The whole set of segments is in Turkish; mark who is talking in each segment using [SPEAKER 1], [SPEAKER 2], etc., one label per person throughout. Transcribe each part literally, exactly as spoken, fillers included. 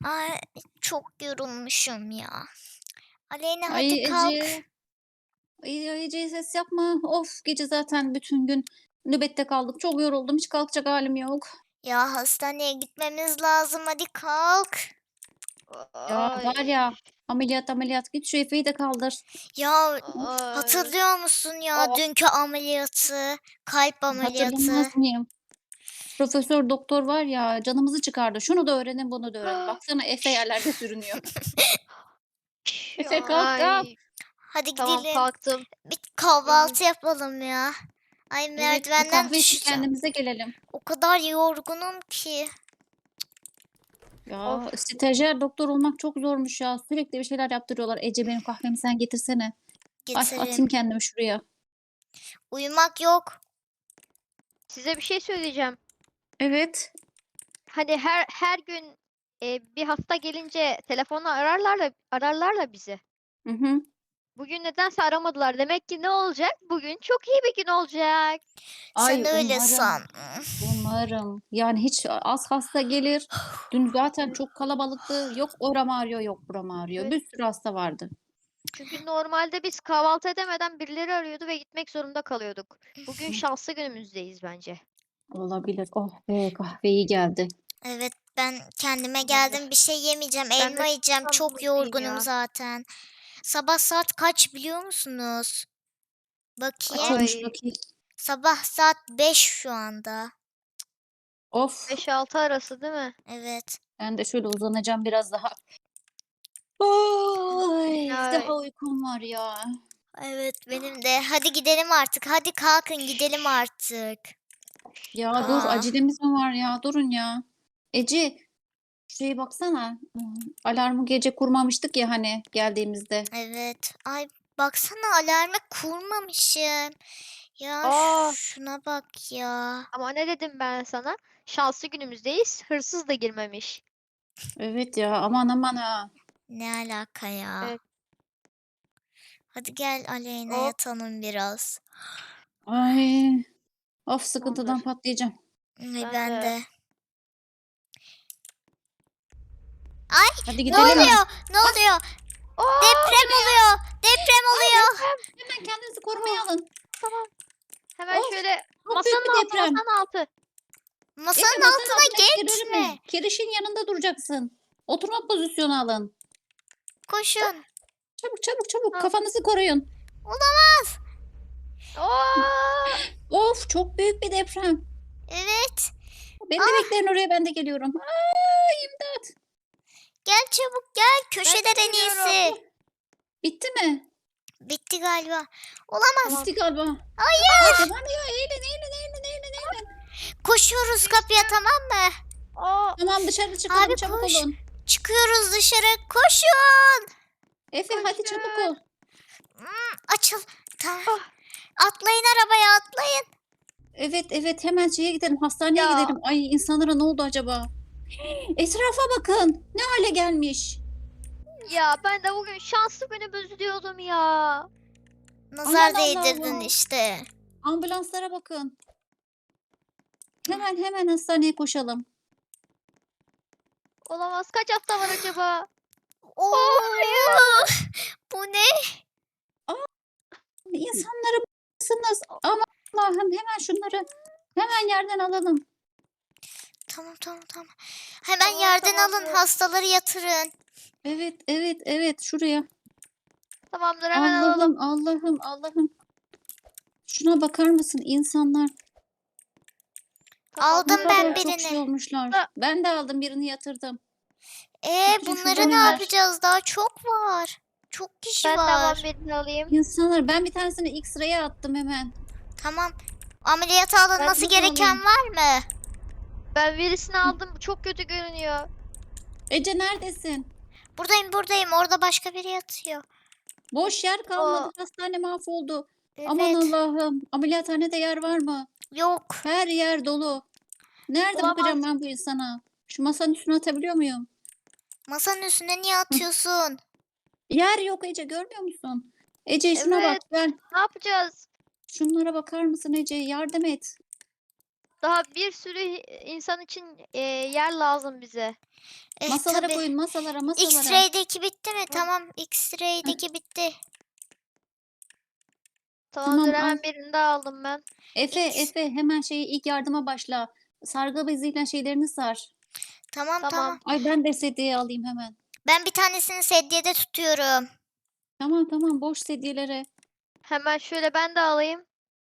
[SPEAKER 1] Ay, çok yorulmuşum ya. Aleyna hadi
[SPEAKER 2] Ay
[SPEAKER 1] kalk.
[SPEAKER 2] Ece. Ay, ay Ece ses yapma. Of gece zaten bütün gün nöbette kaldık. Çok yoruldum. Hiç kalkacak halim yok.
[SPEAKER 1] Ya hastaneye gitmemiz lazım hadi kalk.
[SPEAKER 2] Ya var
[SPEAKER 3] Ay,
[SPEAKER 2] ya ameliyat ameliyat git şu Efe'yi de kaldır.
[SPEAKER 1] Ya
[SPEAKER 2] Of,
[SPEAKER 3] ay.
[SPEAKER 1] hatırlıyor musun ya
[SPEAKER 3] Oh,
[SPEAKER 1] dünkü ameliyatı? Kalp ameliyatı.
[SPEAKER 2] hatırlamaz mıyım? Profesör doktor var ya canımızı çıkardı. Şunu da öğrenin bunu da öğrenin. Baksana Efe yerlerde sürünüyor. Efe kalk kalk.
[SPEAKER 3] ay.
[SPEAKER 1] Hadi
[SPEAKER 3] Tamam
[SPEAKER 1] gidelim.
[SPEAKER 3] kalktım.
[SPEAKER 1] Bir
[SPEAKER 3] Ümit.
[SPEAKER 1] kahvaltı yapalım ya. Ay
[SPEAKER 2] Evet bir
[SPEAKER 1] merdivenden
[SPEAKER 2] kahve içip
[SPEAKER 1] düşeceğim.
[SPEAKER 2] kendimize gelelim.
[SPEAKER 1] O kadar yorgunum ki.
[SPEAKER 2] Ya
[SPEAKER 3] Of.
[SPEAKER 2] stajyer doktor olmak çok zormuş ya. Sürekli bir şeyler yaptırıyorlar. Ece benim kahvemi sen getirsene. Ay
[SPEAKER 1] Getirin.
[SPEAKER 2] atayım kendimi şuraya.
[SPEAKER 1] Uyumak yok.
[SPEAKER 3] Size bir şey söyleyeceğim.
[SPEAKER 2] Evet.
[SPEAKER 3] Hani her her gün e, bir hasta gelince telefonla ararlar da ararlar bizi.
[SPEAKER 2] Hı hı.
[SPEAKER 3] Bugün nedense aramadılar. Demek ki ne olacak? Bugün çok iyi bir gün olacak.
[SPEAKER 1] Sen
[SPEAKER 2] Ay
[SPEAKER 1] öyle
[SPEAKER 2] umarım.
[SPEAKER 1] san.
[SPEAKER 2] Umarım. Yani hiç az hasta gelir. Dün zaten çok kalabalıktı. Yok oram ağrıyor, yok buram ağrıyor.
[SPEAKER 3] Evet.
[SPEAKER 2] Bir sürü hasta vardı.
[SPEAKER 3] Çünkü normalde biz kahvaltı edemeden birileri arıyordu ve gitmek zorunda kalıyorduk. Bugün şanslı günümüzdeyiz bence.
[SPEAKER 2] Olabilir. Oh be kahve iyi geldi.
[SPEAKER 1] Evet ben kendime geldim bir
[SPEAKER 3] Tamamdır.
[SPEAKER 1] şey yemeyeceğim
[SPEAKER 3] Ben de
[SPEAKER 1] elma yiyeceğim çok
[SPEAKER 3] kahvaltımı yapayım
[SPEAKER 1] yorgunum
[SPEAKER 3] ya.
[SPEAKER 1] zaten. Sabah saat kaç biliyor musunuz?
[SPEAKER 2] Kaç
[SPEAKER 1] Bakayım.
[SPEAKER 2] olmuş
[SPEAKER 3] Ay,
[SPEAKER 2] bakayım.
[SPEAKER 1] Sabah saat beş şu anda.
[SPEAKER 2] Of.
[SPEAKER 3] beş altı arası değil mi?
[SPEAKER 1] Evet.
[SPEAKER 2] Ben de şöyle uzanacağım biraz daha. Ay, daha
[SPEAKER 3] Ay,
[SPEAKER 2] uykum var ya.
[SPEAKER 1] Evet benim de. Hadi gidelim artık. Hadi kalkın gidelim artık.
[SPEAKER 2] Ya dur
[SPEAKER 1] Aa,
[SPEAKER 2] acelemiz mi var ya? Durun ya. Ece şuraya baksana. Hmm, Alarmı gece kurmamıştık ya hani geldiğimizde.
[SPEAKER 1] evet. Ay baksana alarmı kurmamışım. Ya
[SPEAKER 3] aa,
[SPEAKER 1] şuna bak ya.
[SPEAKER 3] ama ne dedim ben sana? Şanslı günümüzdeyiz. Hırsız da girmemiş.
[SPEAKER 2] Evet ya aman aman ha.
[SPEAKER 1] Ne alaka ya?
[SPEAKER 3] Evet.
[SPEAKER 1] Hadi gel Aleyna
[SPEAKER 3] Hop,
[SPEAKER 1] yatalım biraz.
[SPEAKER 2] Ay of sıkıntıdan
[SPEAKER 3] tamamdır.
[SPEAKER 2] patlayacağım.
[SPEAKER 1] Ay
[SPEAKER 3] Ben
[SPEAKER 1] ben
[SPEAKER 3] de.
[SPEAKER 1] de. Ay
[SPEAKER 2] Hadi
[SPEAKER 1] ne
[SPEAKER 2] gidelim mi?
[SPEAKER 1] oluyor? Ne
[SPEAKER 2] Ah
[SPEAKER 1] oluyor?
[SPEAKER 3] Aa, bu
[SPEAKER 1] Deprem
[SPEAKER 3] ne ya?
[SPEAKER 1] oluyor. Deprem
[SPEAKER 2] ay
[SPEAKER 1] oluyor.
[SPEAKER 2] deprem. Hemen kendinizi korumaya
[SPEAKER 3] Oh,
[SPEAKER 2] alın.
[SPEAKER 3] tamam. Hemen
[SPEAKER 2] Of
[SPEAKER 3] şöyle
[SPEAKER 2] çok büyük bir
[SPEAKER 3] masanın altı,
[SPEAKER 2] deprem.
[SPEAKER 3] masanın altı.
[SPEAKER 2] Efe
[SPEAKER 1] Masanın
[SPEAKER 2] masanın
[SPEAKER 1] altına
[SPEAKER 2] altına
[SPEAKER 1] geçme.
[SPEAKER 2] girme. Kirişin yanında duracaksın. Oturma pozisyonu alın.
[SPEAKER 1] Koşun.
[SPEAKER 2] Çabuk çabuk çabuk
[SPEAKER 3] Ha.
[SPEAKER 2] kafanızı koruyun.
[SPEAKER 1] Olamaz.
[SPEAKER 3] Aa,
[SPEAKER 2] Of çok büyük bir deprem.
[SPEAKER 1] Evet.
[SPEAKER 2] Beni de
[SPEAKER 1] Ah
[SPEAKER 2] bekleyin oraya ben de geliyorum. Ay imdat.
[SPEAKER 1] gel çabuk gel.
[SPEAKER 3] ben
[SPEAKER 1] Köşeden
[SPEAKER 3] de
[SPEAKER 1] en
[SPEAKER 3] geliyorum.
[SPEAKER 1] iyisi.
[SPEAKER 2] Bitti mi?
[SPEAKER 1] Bitti galiba. Olamaz.
[SPEAKER 3] Tamam.
[SPEAKER 2] Bitti galiba. Ay
[SPEAKER 1] Hayır.
[SPEAKER 2] devam ya. Eğilin eğilin eğilin eğilin eğilin.
[SPEAKER 1] Koşuyoruz kapıya
[SPEAKER 3] Düştüm.
[SPEAKER 1] tamam mı?
[SPEAKER 3] Aa,
[SPEAKER 2] Tamam dışarı çıkalım
[SPEAKER 1] Abi
[SPEAKER 2] çabuk
[SPEAKER 1] koş.
[SPEAKER 2] olun.
[SPEAKER 1] Çıkıyoruz dışarı. Koşun.
[SPEAKER 2] Efe hadi çabuk ol.
[SPEAKER 3] koşun.
[SPEAKER 1] Hmm, açıl. Tamam.
[SPEAKER 3] Ah,
[SPEAKER 1] Atlayın arabaya atlayın.
[SPEAKER 2] Evet evet hemen şeye gidelim hastaneye
[SPEAKER 3] ya,
[SPEAKER 2] gidelim. Ay insanlara ne oldu acaba? Etrafa bakın. Ne hale gelmiş.
[SPEAKER 3] ya ben de bugün şanslı günümüz diyordum ya.
[SPEAKER 2] Aman
[SPEAKER 1] Nazar değdirdin
[SPEAKER 2] Allah'ım.
[SPEAKER 1] işte.
[SPEAKER 2] Ambulanslara bakın. Hemen hemen hastaneye koşalım.
[SPEAKER 3] Olamaz. Kaç hasta var acaba? Oh,
[SPEAKER 1] Oo, bu ne?
[SPEAKER 2] İnsanlara bakmışsınız. Aman Allah'ım hemen şunları hemen yerden alalım.
[SPEAKER 1] Tamam tamam tamam. Hemen
[SPEAKER 3] tamam
[SPEAKER 1] yerden alın
[SPEAKER 3] tamamdır.
[SPEAKER 1] hastaları yatırın.
[SPEAKER 2] Evet evet evet şuraya.
[SPEAKER 3] Tamamdır hemen alalım.
[SPEAKER 2] Allah'ım Allah'ım Allah'ım. Şuna bakar mısın insanlar ne
[SPEAKER 1] Aldım
[SPEAKER 3] Tamamdır.
[SPEAKER 1] ben
[SPEAKER 2] kadar çok şey
[SPEAKER 1] birini.
[SPEAKER 2] olmuşlar.
[SPEAKER 3] Da-
[SPEAKER 2] Ben de aldım birini yatırdım.
[SPEAKER 1] Ee
[SPEAKER 2] Bütün şurada
[SPEAKER 1] bunları
[SPEAKER 2] ne
[SPEAKER 1] ne
[SPEAKER 2] var?
[SPEAKER 3] Tamamdır.
[SPEAKER 1] yapacağız? Daha çok var. Çok kişi
[SPEAKER 3] Ben de hemen
[SPEAKER 1] var.
[SPEAKER 3] birini alayım.
[SPEAKER 2] İnsanlar ben bir tanesini X-ray'e attım hemen.
[SPEAKER 1] Tamam. Ameliyata
[SPEAKER 3] Ben
[SPEAKER 1] alınması
[SPEAKER 2] Şunu da
[SPEAKER 1] gereken
[SPEAKER 2] alayım.
[SPEAKER 1] var mı?
[SPEAKER 3] ben birisini aldım. Çok kötü görünüyor.
[SPEAKER 2] Ece neredesin?
[SPEAKER 1] Buradayım buradayım. Orada başka biri yatıyor.
[SPEAKER 2] Boş yer kalmadı.
[SPEAKER 3] O
[SPEAKER 2] Hastane mahvoldu. Aman
[SPEAKER 1] Evet.
[SPEAKER 2] Allah'ım. Ameliyathanede yer var mı?
[SPEAKER 1] Yok.
[SPEAKER 2] Her yer dolu. Nerede
[SPEAKER 3] olamaz.
[SPEAKER 2] bakacağım ben bu insana? Şu masanın üstüne atabiliyor muyum?
[SPEAKER 1] Masanın üstüne niye
[SPEAKER 2] Hıh.
[SPEAKER 1] atıyorsun?
[SPEAKER 2] Yer yok Ece görmüyor musun? Ece şuna bak
[SPEAKER 3] Evet.
[SPEAKER 2] gel.
[SPEAKER 3] Ne yapacağız?
[SPEAKER 2] Şunlara bakar mısın Ece? Yardım et.
[SPEAKER 3] Daha bir sürü insan için e, yer lazım bize.
[SPEAKER 1] Eh,
[SPEAKER 2] Masalara
[SPEAKER 1] tabii.
[SPEAKER 2] koyun, masalara, masalara.
[SPEAKER 1] X-ray'deki bitti mi? Tamam. X-ray'deki bitti.
[SPEAKER 3] Tamamdır,
[SPEAKER 2] Tamam, al.
[SPEAKER 3] hemen birini daha aldım ben.
[SPEAKER 2] Efe,
[SPEAKER 1] X.
[SPEAKER 2] Efe hemen şeyi ilk yardıma başla. Sargı beziyle şeylerini sar.
[SPEAKER 1] Tamam
[SPEAKER 3] Tamam.
[SPEAKER 1] tamam.
[SPEAKER 2] Ay ben de sedyeyi alayım hemen.
[SPEAKER 1] Ben bir tanesini sedyede tutuyorum.
[SPEAKER 2] Tamam tamam boş sedyelere.
[SPEAKER 3] Hemen şöyle ben de alayım.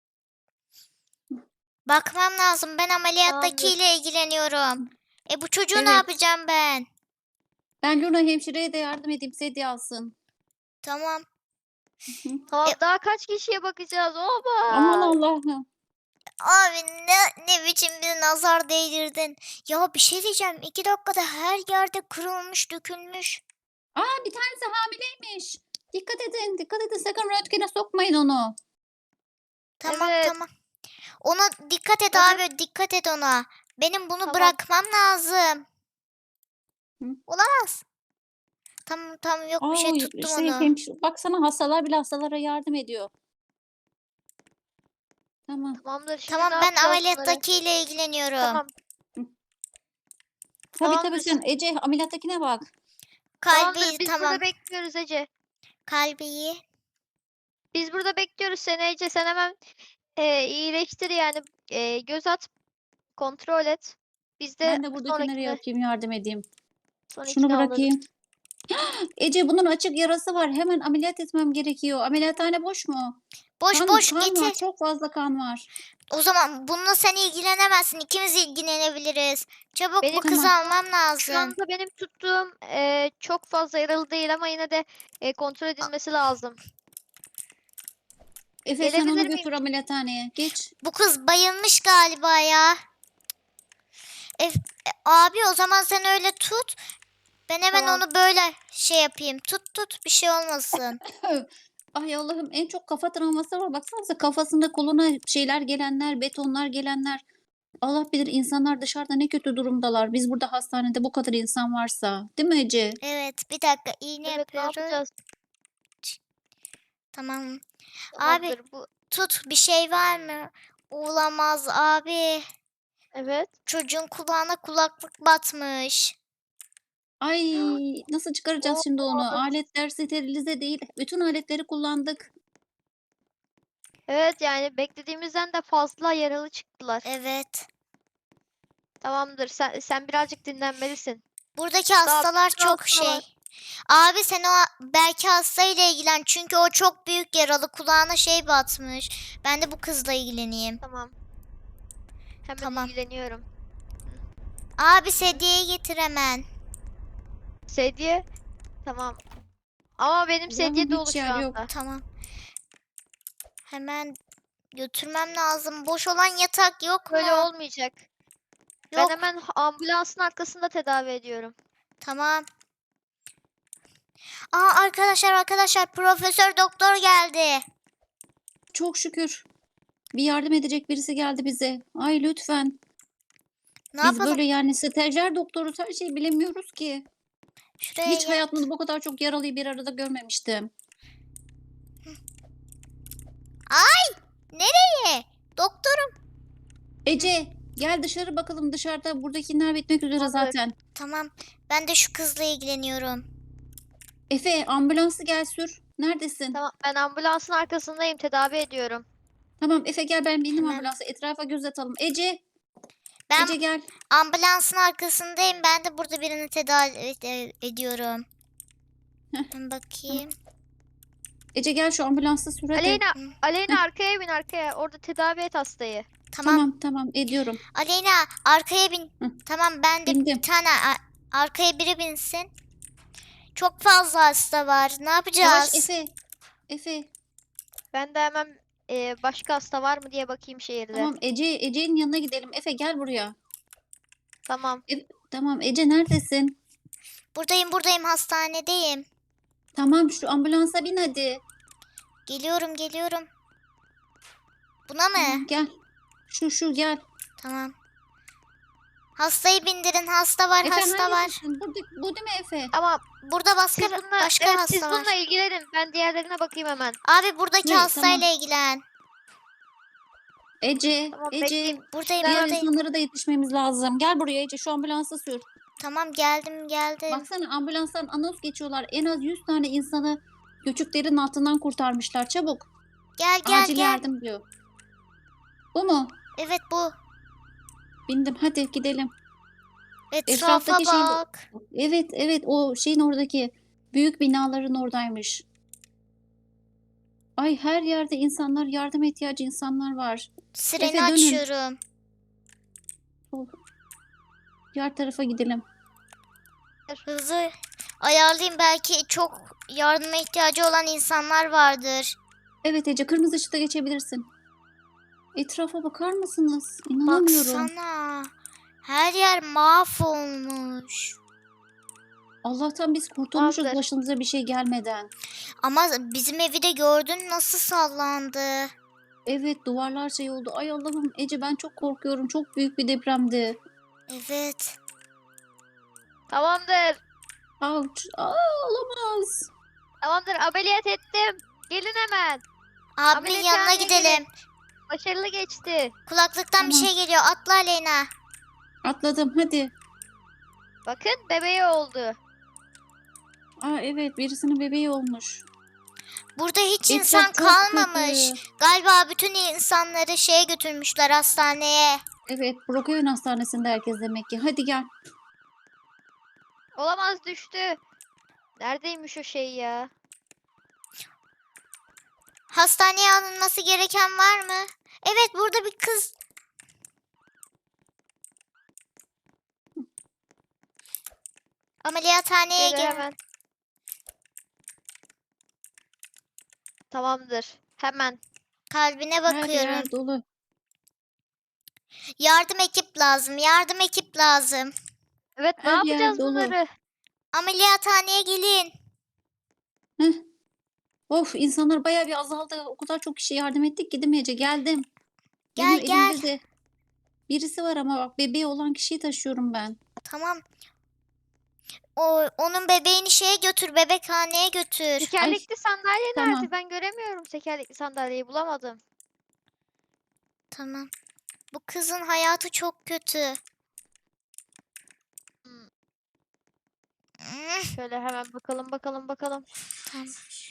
[SPEAKER 1] Bakmam lazım. Ben ameliyattakiyle
[SPEAKER 3] Tamamdır.
[SPEAKER 1] ilgileniyorum. E bu çocuğu ne
[SPEAKER 2] Evet.
[SPEAKER 1] yapacağım ben?
[SPEAKER 2] Ben Luna hemşireye de yardım edeyim sedye alsın.
[SPEAKER 1] Tamam.
[SPEAKER 3] Tamam,
[SPEAKER 1] E-
[SPEAKER 3] daha kaç kişiye bakacağız? Oba!
[SPEAKER 2] Aman Allah'ım.
[SPEAKER 1] Abi ne ne biçim bir nazar değdirdin. Ya bir şey diyeceğim. İki dakikada her yerde kırılmış, dökülmüş.
[SPEAKER 2] Aa bir tanesi hamileymiş. Dikkat edin, dikkat edin. Sakın röntgene sokmayın onu.
[SPEAKER 1] Tamam
[SPEAKER 3] Evet.
[SPEAKER 1] tamam. Ona dikkat et
[SPEAKER 3] Evet.
[SPEAKER 1] abi. Dikkat et ona. Benim bunu
[SPEAKER 3] Tamam.
[SPEAKER 1] bırakmam lazım.
[SPEAKER 2] Hı.
[SPEAKER 1] Olamaz. Tamam tamam yok bir şey
[SPEAKER 2] Ay,
[SPEAKER 1] tuttum
[SPEAKER 2] şey,
[SPEAKER 1] onu.
[SPEAKER 2] hemşire, baksana hastalar bile hastalara yardım ediyor. Tamam.
[SPEAKER 3] Tamamdır. Şimdi
[SPEAKER 1] Tamam
[SPEAKER 3] ne
[SPEAKER 1] ben
[SPEAKER 3] yapacağız bunları?
[SPEAKER 1] ameliyattakiyle ilgileniyorum.
[SPEAKER 3] Tamam.
[SPEAKER 2] Tabii tabii
[SPEAKER 3] Tamamdır.
[SPEAKER 2] sen Ece ameliyattakine bak.
[SPEAKER 1] Kalbi
[SPEAKER 3] Tamamdır. Biz
[SPEAKER 1] tamam.
[SPEAKER 3] burada bekliyoruz Ece.
[SPEAKER 1] Kalbiyi.
[SPEAKER 3] Biz burada bekliyoruz seni Ece. Sen hemen e, iyileştir yani. E, göz at. Kontrol et. Biz de
[SPEAKER 2] Ben de buradakilere
[SPEAKER 3] sonrakini,
[SPEAKER 2] yapayım, yardım edeyim. Şunu
[SPEAKER 3] sonrakini alırız.
[SPEAKER 2] bırakayım. Ece bunun açık yarası var. Hemen ameliyat etmem gerekiyor. Ameliyathane boş mu?
[SPEAKER 1] Boş
[SPEAKER 2] Kan,
[SPEAKER 1] boş
[SPEAKER 2] kan var.
[SPEAKER 1] getir.
[SPEAKER 2] Çok fazla kan var.
[SPEAKER 1] O zaman bununla sen ilgilenemezsin. İkimiz ilgilenebiliriz. Çabuk
[SPEAKER 3] Benim
[SPEAKER 1] bu kızı
[SPEAKER 2] Tamam.
[SPEAKER 1] almam
[SPEAKER 3] Şu
[SPEAKER 1] lazım.
[SPEAKER 3] anda benim tuttuğum e, çok fazla yaralı değil ama yine de e, kontrol edilmesi lazım.
[SPEAKER 2] Efe sen onu
[SPEAKER 3] Gelebilir miyim?
[SPEAKER 2] götür ameliyathaneye. Geç.
[SPEAKER 1] Bu kız bayılmış galiba ya. E, e, abi o zaman sen öyle tut. Ben hemen
[SPEAKER 3] Tamam.
[SPEAKER 1] onu böyle şey yapayım. Tut tut bir şey olmasın.
[SPEAKER 2] Ay Allah'ım en çok kafa travması var. Baksanıza kafasında koluna şeyler gelenler, betonlar gelenler. Allah bilir insanlar dışarıda ne kötü durumdalar. Biz burada hastanede bu kadar insan varsa. Değil mi Ece?
[SPEAKER 1] Evet bir dakika iğne
[SPEAKER 3] Evet, ne
[SPEAKER 1] yapıyoruz.
[SPEAKER 3] yapacağız?
[SPEAKER 1] Tamam. Abi
[SPEAKER 3] Tamamdır bu.
[SPEAKER 1] tut bir şey var mı? Olamaz abi.
[SPEAKER 3] Evet.
[SPEAKER 1] Çocuğun kulağına kulaklık batmış.
[SPEAKER 2] Ay nasıl çıkaracağız
[SPEAKER 3] Oo,
[SPEAKER 2] şimdi onu? Aletler sterilize değil. Bütün aletleri kullandık.
[SPEAKER 3] evet yani beklediğimizden de fazla yaralı çıktılar.
[SPEAKER 1] Evet.
[SPEAKER 3] Tamamdır. Sen sen birazcık dinlenmelisin.
[SPEAKER 1] Buradaki
[SPEAKER 3] Daha
[SPEAKER 1] hastalar
[SPEAKER 3] bir sürü
[SPEAKER 1] çok
[SPEAKER 3] hasta var.
[SPEAKER 1] şey. Abi sen o belki hastayla ilgilen. Çünkü o çok büyük yaralı. Kulağına şey batmış. Ben de bu kızla ilgileneyim.
[SPEAKER 3] Tamam. Hemen
[SPEAKER 1] Tamam.
[SPEAKER 3] ilgileniyorum.
[SPEAKER 1] Abi sedyeyi getir hemen.
[SPEAKER 3] Sedye. Tamam. Ama benim
[SPEAKER 2] Allah'ım
[SPEAKER 3] sedye
[SPEAKER 2] hiç
[SPEAKER 3] dolu şu
[SPEAKER 2] yer
[SPEAKER 3] anda.
[SPEAKER 2] yok.
[SPEAKER 1] Tamam. Hemen götürmem lazım. Boş olan yatak yok mu?
[SPEAKER 3] Böyle olmayacak. Ben
[SPEAKER 1] Yok.
[SPEAKER 3] hemen ambulansın arkasında tedavi ediyorum.
[SPEAKER 1] Tamam. Aa arkadaşlar arkadaşlar Profesör Doktor geldi.
[SPEAKER 2] Çok şükür. Bir yardım edecek birisi geldi bize. Ay lütfen.
[SPEAKER 1] Ne
[SPEAKER 2] Biz
[SPEAKER 1] yapalım?
[SPEAKER 2] böyle yani stajyer doktoruz her şeyi bilemiyoruz ki.
[SPEAKER 1] Şuraya
[SPEAKER 2] Hiç
[SPEAKER 1] gel.
[SPEAKER 2] hayatımda bu kadar çok yaralıyı bir arada görmemiştim.
[SPEAKER 1] Nereye? Doktorum.
[SPEAKER 2] Ece gel dışarı bakalım dışarıda buradakiler bitmek üzere
[SPEAKER 3] Tamamdır.
[SPEAKER 2] zaten.
[SPEAKER 1] Tamam. Ben de şu kızla ilgileniyorum.
[SPEAKER 2] Efe ambulansı gel sür. Neredesin?
[SPEAKER 3] Tamam, ben ambulansın arkasındayım, tedavi ediyorum.
[SPEAKER 2] Tamam Efe gel ben bindim
[SPEAKER 1] Hemen.
[SPEAKER 2] ambulansa etrafa göz atalım. Ece,
[SPEAKER 1] Ben
[SPEAKER 2] Ece gel.
[SPEAKER 1] ambulansın arkasındayım. Ben de burada birini tedavi ed- ediyorum.
[SPEAKER 2] Heh.
[SPEAKER 1] Ben bakayım.
[SPEAKER 2] Ece gel şu ambulansı sür hadi.
[SPEAKER 3] Aleyna,
[SPEAKER 1] Hı.
[SPEAKER 3] Aleyna arkaya bin arkaya. Orada tedavi et hastayı.
[SPEAKER 1] Tamam.
[SPEAKER 2] Tamam tamam ediyorum.
[SPEAKER 1] Aleyna arkaya bin.
[SPEAKER 2] Hı.
[SPEAKER 1] Tamam ben de
[SPEAKER 2] Bindim.
[SPEAKER 1] bir tane a- arkaya biri binsin. Çok fazla hasta var. Ne yapacağız?
[SPEAKER 2] Yavaş Efe. Efe.
[SPEAKER 3] Ben de hemen e, başka hasta var mı diye bakayım şehirde.
[SPEAKER 2] Tamam Ece Ece'nin yanına gidelim. Efe gel buraya.
[SPEAKER 3] Tamam.
[SPEAKER 2] E- tamam Ece neredesin?
[SPEAKER 1] Buradayım buradayım hastanedeyim.
[SPEAKER 2] Tamam şu ambulansa bin hadi.
[SPEAKER 1] Geliyorum geliyorum. Buna mı?
[SPEAKER 2] Tamam, gel. Şu şu gel.
[SPEAKER 1] Tamam. Hastayı bindirin. Hasta var,
[SPEAKER 2] Efe
[SPEAKER 1] hasta var.
[SPEAKER 2] hangisisin? Burada, bu değil mi Efe?
[SPEAKER 3] Ama
[SPEAKER 1] Burada başka
[SPEAKER 3] siz bununla,
[SPEAKER 1] başka
[SPEAKER 3] evet,
[SPEAKER 1] hasta
[SPEAKER 3] siz
[SPEAKER 1] var.
[SPEAKER 3] bununla ilgilenin. Ben diğerlerine bakayım hemen.
[SPEAKER 1] Abi buradaki
[SPEAKER 2] Ne,
[SPEAKER 1] hastayla
[SPEAKER 2] tamam.
[SPEAKER 1] ilgilen.
[SPEAKER 2] Ece,
[SPEAKER 3] Tamam
[SPEAKER 2] Ece.
[SPEAKER 3] bekleyeyim.
[SPEAKER 1] Buradayım
[SPEAKER 2] Diğer
[SPEAKER 1] buradayım.
[SPEAKER 2] insanlara da yetişmemiz lazım. Gel buraya Ece, şu ambulansı sür.
[SPEAKER 1] Tamam geldim geldim.
[SPEAKER 2] Baksana ambulanstan anons geçiyorlar. En az yüz tane insanı göçüklerin altından kurtarmışlar. Çabuk.
[SPEAKER 1] Gel gel
[SPEAKER 2] Acil
[SPEAKER 1] gel.
[SPEAKER 2] yardım diyor. Bu mu?
[SPEAKER 1] Evet bu.
[SPEAKER 2] Bindim. Hadi gidelim.
[SPEAKER 1] Etrafa
[SPEAKER 2] Etraftaki şey-
[SPEAKER 1] bak.
[SPEAKER 2] Evet, evet, o şeyin oradaki büyük binaların oradaymış. Ay, her yerde insanlar, yardıma ihtiyacı insanlar var.
[SPEAKER 1] Sireni
[SPEAKER 2] Efe, dönün.
[SPEAKER 1] açıyorum.
[SPEAKER 2] Oh. Diğer tarafa gidelim.
[SPEAKER 1] Hızı ayarlayayım, belki çok yardıma ihtiyacı olan insanlar vardır.
[SPEAKER 2] Evet Ece, kırmızı ışıkta geçebilirsin. Etrafa bakar mısınız? İnanamıyorum.
[SPEAKER 1] Baksana. Her yer mahvolmuş.
[SPEAKER 2] Allah'tan biz kurtulmuşuz
[SPEAKER 3] Tamamdır.
[SPEAKER 2] başımıza bir şey gelmeden.
[SPEAKER 1] Ama bizim evi de gördün, nasıl sallandı.
[SPEAKER 2] Evet, duvarlar şey oldu. Ay Allah'ım Ece, ben çok korkuyorum. Çok büyük bir depremdi.
[SPEAKER 1] Evet.
[SPEAKER 3] Tamamdır.
[SPEAKER 2] Ouch. Aa, olamaz.
[SPEAKER 3] Tamamdır ameliyat ettim. Gelin hemen.
[SPEAKER 1] Abimin yanına
[SPEAKER 3] Ameliyathaneye
[SPEAKER 1] gidelim.
[SPEAKER 3] Başarılı geçti.
[SPEAKER 1] Kulaklıktan bir
[SPEAKER 2] Tamam.
[SPEAKER 1] şey geliyor. Atla Aleyna.
[SPEAKER 2] Atladım, hadi.
[SPEAKER 3] Bakın bebeği oldu.
[SPEAKER 2] Aa, evet, birisinin bebeği olmuş.
[SPEAKER 1] Burada hiç
[SPEAKER 2] Etraf
[SPEAKER 1] insan
[SPEAKER 2] çok
[SPEAKER 1] kalmamış.
[SPEAKER 2] kötü.
[SPEAKER 1] Galiba bütün insanları şeye götürmüşler, hastaneye.
[SPEAKER 2] Evet, Brookhaven Hastanesi'nde herkes demek ki. Hadi gel.
[SPEAKER 3] Olamaz düştü. Neredeymiş o şey ya?
[SPEAKER 1] Hastaneye alınması gereken var mı? Evet, burada bir kız. Ameliyathaneye
[SPEAKER 3] Geri
[SPEAKER 1] gel.
[SPEAKER 3] hemen. Tamamdır. Hemen.
[SPEAKER 1] Kalbine
[SPEAKER 2] Her
[SPEAKER 1] bakıyorum.
[SPEAKER 2] yer dolu.
[SPEAKER 1] Yardım ekip lazım. Yardım ekip lazım.
[SPEAKER 3] Evet ne
[SPEAKER 2] Her yer
[SPEAKER 3] yapacağız
[SPEAKER 2] dolu.
[SPEAKER 3] bunları?
[SPEAKER 1] Ameliyathaneye gelin.
[SPEAKER 2] Heh. Of, insanlar bayağı bir azaldı. O kadar çok kişi yardım ettik ki değil mi Ece? Geldim.
[SPEAKER 1] Gel,
[SPEAKER 2] Benim
[SPEAKER 1] gel.
[SPEAKER 2] elimde de birisi var ama bak, bebeği olan kişiyi taşıyorum ben.
[SPEAKER 1] Tamam. O onun bebeğini şeye götür, bebekhaneye götür.
[SPEAKER 3] Tekerlekli sandalye
[SPEAKER 2] tamam.
[SPEAKER 3] nerede? Ben göremiyorum tekerlekli sandalyeyi bulamadım.
[SPEAKER 1] Tamam. Bu kızın hayatı çok kötü.
[SPEAKER 3] Hmm.
[SPEAKER 1] Hmm,
[SPEAKER 3] Şöyle hemen bakalım bakalım bakalım.
[SPEAKER 1] Tamam.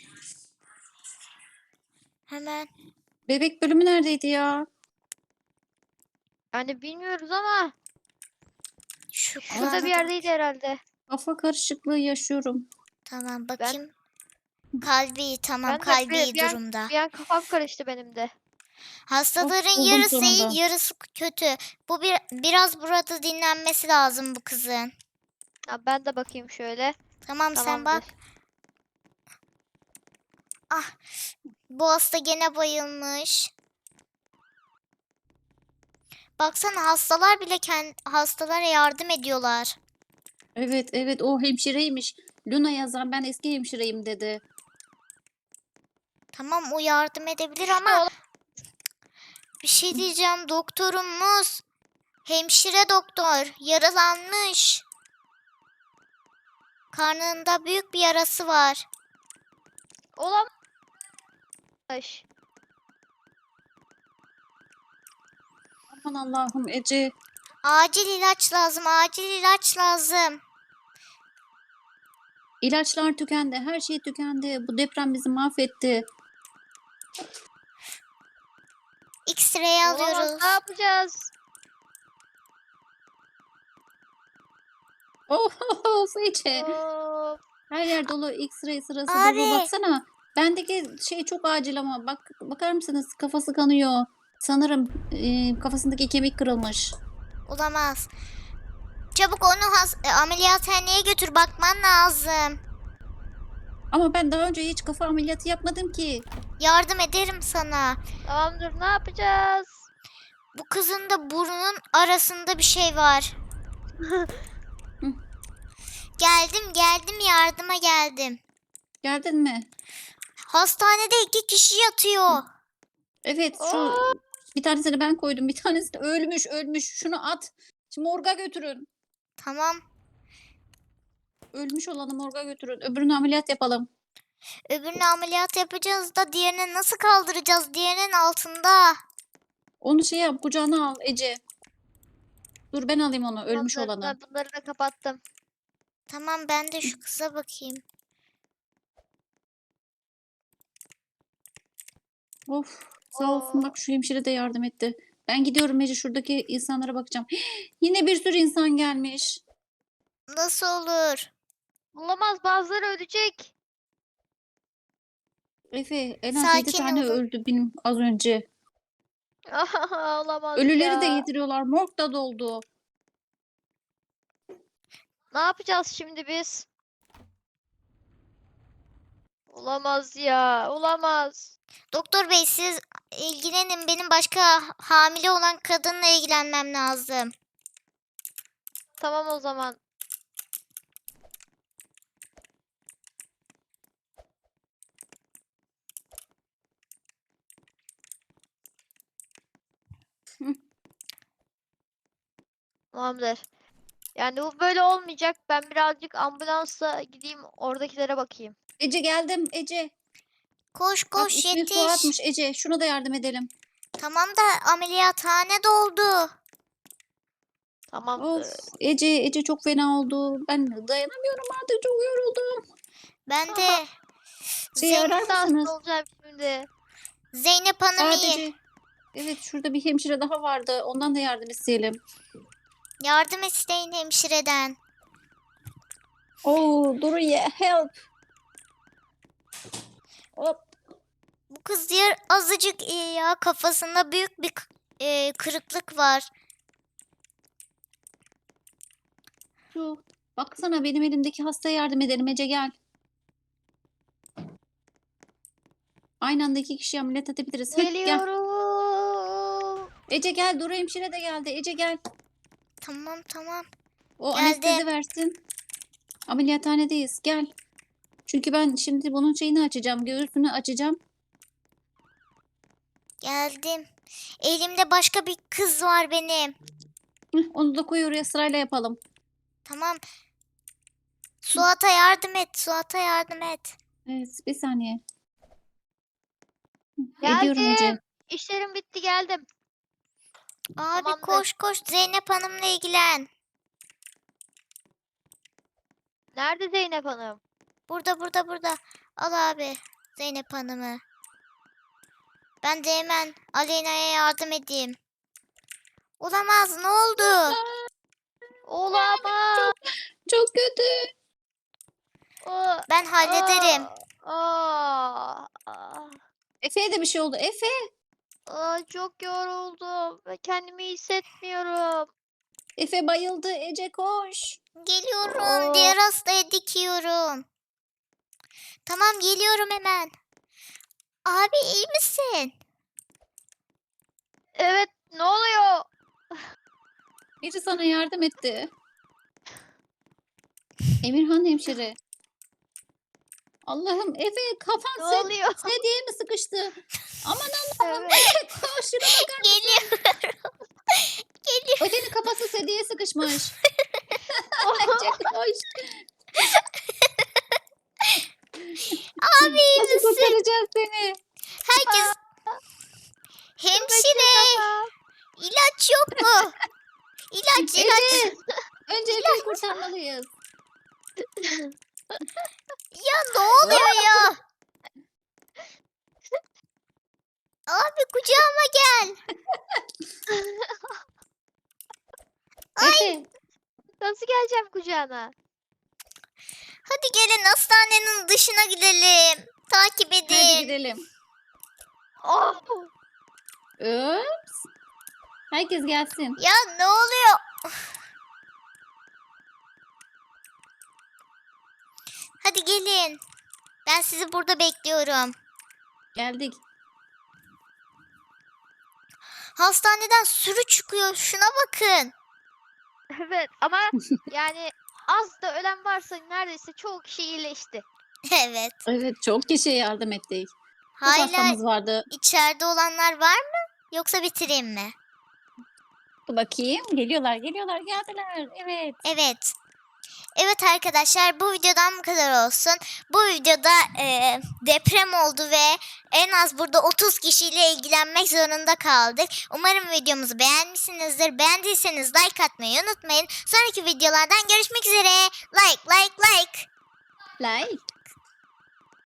[SPEAKER 1] Hemen.
[SPEAKER 2] Bebek bölümü neredeydi ya?
[SPEAKER 3] Yani bilmiyoruz ama
[SPEAKER 1] Şu
[SPEAKER 3] şurada bir
[SPEAKER 1] kulağına da
[SPEAKER 3] yerdeydi herhalde.
[SPEAKER 2] Kafa karışıklığı yaşıyorum.
[SPEAKER 1] Tamam, bakayım. Kalbi tamam,
[SPEAKER 3] Ben de
[SPEAKER 1] kalbi
[SPEAKER 3] bir-
[SPEAKER 1] iyi
[SPEAKER 3] bir an-
[SPEAKER 1] durumda.
[SPEAKER 3] Bir an kafam karıştı benim de.
[SPEAKER 1] Hastaların
[SPEAKER 2] buldum
[SPEAKER 1] yarısı iyi,
[SPEAKER 2] sonunda.
[SPEAKER 1] yarısı kötü. Bu bir biraz burada dinlenmesi lazım bu kızın.
[SPEAKER 3] Ha, ben de bakayım şöyle.
[SPEAKER 1] Tamam, sen bak.
[SPEAKER 3] Tamamdır.
[SPEAKER 1] Ah, bu hasta gene bayılmış. Baksana, hastalar bile kendi hastalara yardım ediyorlar.
[SPEAKER 2] Evet, evet, o hemşireymiş. Luna yazan, ben eski hemşireyim dedi.
[SPEAKER 1] Tamam, o yardım edebilir
[SPEAKER 3] İşte
[SPEAKER 1] ama
[SPEAKER 3] ola-
[SPEAKER 1] bir şey diyeceğim, doktorumuz hemşire doktor yaralanmış. Karnında büyük bir yarası var.
[SPEAKER 3] Olamaz.
[SPEAKER 2] Aman Allah'ım Ece.
[SPEAKER 1] Acil ilaç lazım, acil ilaç lazım.
[SPEAKER 2] İlaçlar tükendi, her şey tükendi. Bu deprem bizi mahvetti.
[SPEAKER 1] X-ray
[SPEAKER 3] Olamaz.
[SPEAKER 1] alıyoruz.
[SPEAKER 3] Ne yapacağız?
[SPEAKER 2] Of Ece.
[SPEAKER 3] Of.
[SPEAKER 2] Her yer dolu, X-ray sırası
[SPEAKER 1] Abi.
[SPEAKER 2] dolu. Baksana. Bendeki şey çok acil ama bak, bakar mısınız? Kafası kanıyor. Sanırım e, kafasındaki kemik kırılmış.
[SPEAKER 1] Olamaz. Çabuk onu has- e, ameliyathaneye götür, bakman lazım.
[SPEAKER 2] Ama ben daha önce hiç kafa ameliyatı yapmadım ki.
[SPEAKER 1] Yardım ederim sana.
[SPEAKER 3] Tamamdır ne yapacağız?
[SPEAKER 1] Bu kızın da burnunun arasında bir şey var. Geldim geldim, yardıma geldim.
[SPEAKER 2] Geldin mi?
[SPEAKER 1] Hastanede iki kişi yatıyor.
[SPEAKER 2] Evet, şu
[SPEAKER 3] Oo.
[SPEAKER 2] bir tanesini ben koydum. Bir tanesi de ölmüş, ölmüş. Şunu at. Şimdi morga götürün.
[SPEAKER 1] Tamam.
[SPEAKER 2] Ölmüş olanı morga götürün. Öbürünü ameliyat yapalım.
[SPEAKER 1] Öbürünü ameliyat yapacağız da diğerini nasıl kaldıracağız? Diğerinin altında.
[SPEAKER 2] Onu şey yap, kucağına al Ece. Dur ben alayım onu, ölmüş
[SPEAKER 3] Tamamdır.
[SPEAKER 2] olanı.
[SPEAKER 3] Ben bunları da kapattım.
[SPEAKER 1] Tamam ben de şu kıza bakayım.
[SPEAKER 2] Of, sağ olsun
[SPEAKER 3] Oo.
[SPEAKER 2] bak şu hemşire de yardım etti. Ben gidiyorum Ece, şuradaki insanlara bakacağım. Yine bir sürü insan gelmiş.
[SPEAKER 1] Nasıl olur?
[SPEAKER 3] Olamaz, bazıları ölecek.
[SPEAKER 2] Efe en az yedi
[SPEAKER 1] Sakin
[SPEAKER 2] tane
[SPEAKER 1] olun.
[SPEAKER 2] öldü benim az önce.
[SPEAKER 3] Olamaz
[SPEAKER 2] Ölüleri de
[SPEAKER 3] ya.
[SPEAKER 2] getiriyorlar. Morg da doldu.
[SPEAKER 3] Ne yapacağız şimdi biz? Olamaz ya. Olamaz.
[SPEAKER 1] Doktor bey siz ilgilenin. Benim başka hamile olan kadınla ilgilenmem lazım.
[SPEAKER 3] Tamam o zaman.
[SPEAKER 2] Hı.
[SPEAKER 3] Tamamdır. Yani bu böyle olmayacak. Ben birazcık ambulansla gideyim oradakilere bakayım.
[SPEAKER 2] Ece geldim Ece.
[SPEAKER 1] Koş
[SPEAKER 2] Bak
[SPEAKER 1] koş
[SPEAKER 2] ismi
[SPEAKER 1] yetiş.
[SPEAKER 2] Fuat'mış Ece. Şuna da yardım edelim.
[SPEAKER 1] Tamam da ameliyathane doldu.
[SPEAKER 3] Tamamdır.
[SPEAKER 2] Of Ece Ece çok fena oldu. Ben dayanamıyorum artık, çok yoruldum.
[SPEAKER 1] Ben de
[SPEAKER 2] Şeyi
[SPEAKER 1] Zeyn-
[SPEAKER 2] arar
[SPEAKER 3] Ben de hasta
[SPEAKER 2] mısınız?
[SPEAKER 3] olacağım şimdi.
[SPEAKER 1] Zeynep Hanım iyi.
[SPEAKER 2] Sadece. Evet şurada bir hemşire daha vardı. Ondan da yardım isteyelim.
[SPEAKER 1] Yardım isteyin hemşireden.
[SPEAKER 2] Oo Duru'ya help. Hop.
[SPEAKER 1] Bu kız diğer azıcık iyi ya. Kafasında büyük bir k- e, kırıklık var.
[SPEAKER 2] Şu. Baksana benim elimdeki hastaya yardım edelim Ece gel. Aynı anda iki kişiyi ameliyat edebiliriz. Heh, gel.
[SPEAKER 3] Geliyorum.
[SPEAKER 2] Ece gel. Duru hemşire de geldi. Ece gel.
[SPEAKER 1] Tamam tamam.
[SPEAKER 2] O
[SPEAKER 1] Geldim.
[SPEAKER 2] anestezi versin. Ameliyathanedeyiz. Gel. Çünkü ben şimdi bunun şeyini açacağım. Göğsünü açacağım.
[SPEAKER 1] Geldim. Elimde başka bir kız var benim.
[SPEAKER 2] Heh, onu da koy oraya, sırayla yapalım.
[SPEAKER 1] Tamam. Suat'a yardım et. Suat'a yardım et.
[SPEAKER 2] Evet bir saniye. Hı, ediyorum Ece.
[SPEAKER 3] Geldim. İşlerim bitti, geldim.
[SPEAKER 1] Abi
[SPEAKER 3] Tamamdır.
[SPEAKER 1] koş koş Zeynep Hanım'la ilgilen.
[SPEAKER 3] Nerede Zeynep Hanım?
[SPEAKER 1] Burada burada burada. Al abi Zeynep Hanım'ı. Ben de hemen Aleyna'ya yardım edeyim. Olamaz ne oldu?
[SPEAKER 3] Olamaz.
[SPEAKER 2] Çok kötü.
[SPEAKER 3] Aa,
[SPEAKER 1] Ben hallederim.
[SPEAKER 3] aa, aa,
[SPEAKER 2] Efe'ye de bir şey oldu. Efe.
[SPEAKER 3] aa, çok yoruldum ve kendimi iyi hissetmiyorum.
[SPEAKER 2] Efe bayıldı. Ece koş.
[SPEAKER 1] Geliyorum.
[SPEAKER 3] Aa,
[SPEAKER 1] Diğer hastaya dikiyorum. Tamam geliyorum hemen. Abi iyi misin?
[SPEAKER 3] evet, ne oluyor?
[SPEAKER 2] Biri sana yardım etti. Emirhan hemşire. Allah'ım Efe
[SPEAKER 3] Ne
[SPEAKER 2] kafan sed
[SPEAKER 3] oluyor?
[SPEAKER 2] sedyeye mi sıkıştı? Aman Allah'ım
[SPEAKER 3] Evet.
[SPEAKER 2] Efe koş şuna bakar mısın?
[SPEAKER 1] Geliyorum. Geliyorum.
[SPEAKER 2] Efe'nin kafası sedyeye sıkışmış. Ece koş.
[SPEAKER 1] Abi iyi
[SPEAKER 2] Nasıl
[SPEAKER 1] misin?
[SPEAKER 2] kurtaracağız seni?
[SPEAKER 1] Herkes hemşire
[SPEAKER 3] Kafam.
[SPEAKER 1] ilaç yok mu? İlaç ilaç.
[SPEAKER 2] Ece. Önce Efe'yi kurtarmalıyız.
[SPEAKER 1] Ya ne oluyor ya? Abi kucağıma gel.
[SPEAKER 2] Efe.
[SPEAKER 3] Nasıl geleceğim kucağına?
[SPEAKER 1] Hadi gelin hastanenin dışına gidelim. Takip
[SPEAKER 2] Hadi
[SPEAKER 1] edin.
[SPEAKER 2] gidelim.
[SPEAKER 3] Oh!
[SPEAKER 2] Ups. Herkes gelsin.
[SPEAKER 1] Ya ne oluyor? Hadi gelin. Ben sizi burada bekliyorum.
[SPEAKER 2] Geldik.
[SPEAKER 1] Hastaneden sürü çıkıyor. Şuna bakın.
[SPEAKER 3] Evet ama yani az da ölen varsa neredeyse çoğu kişi iyileşti.
[SPEAKER 1] Evet.
[SPEAKER 2] Evet çok kişiye yardım ettik. Çok
[SPEAKER 1] Hala
[SPEAKER 2] hastamız vardı.
[SPEAKER 1] içeride olanlar var mı? Yoksa bitireyim mi?
[SPEAKER 2] Dur bakayım. Geliyorlar, geliyorlar, geldiler. Evet.
[SPEAKER 1] Evet. Evet arkadaşlar, bu videodan bu kadar olsun. Bu videoda e, deprem oldu ve en az burada otuz kişiyle ilgilenmek zorunda kaldık. Umarım videomuzu beğenmişsinizdir. Beğendiyseniz like atmayı unutmayın. Sonraki videolardan görüşmek üzere. Like like like.
[SPEAKER 2] Like.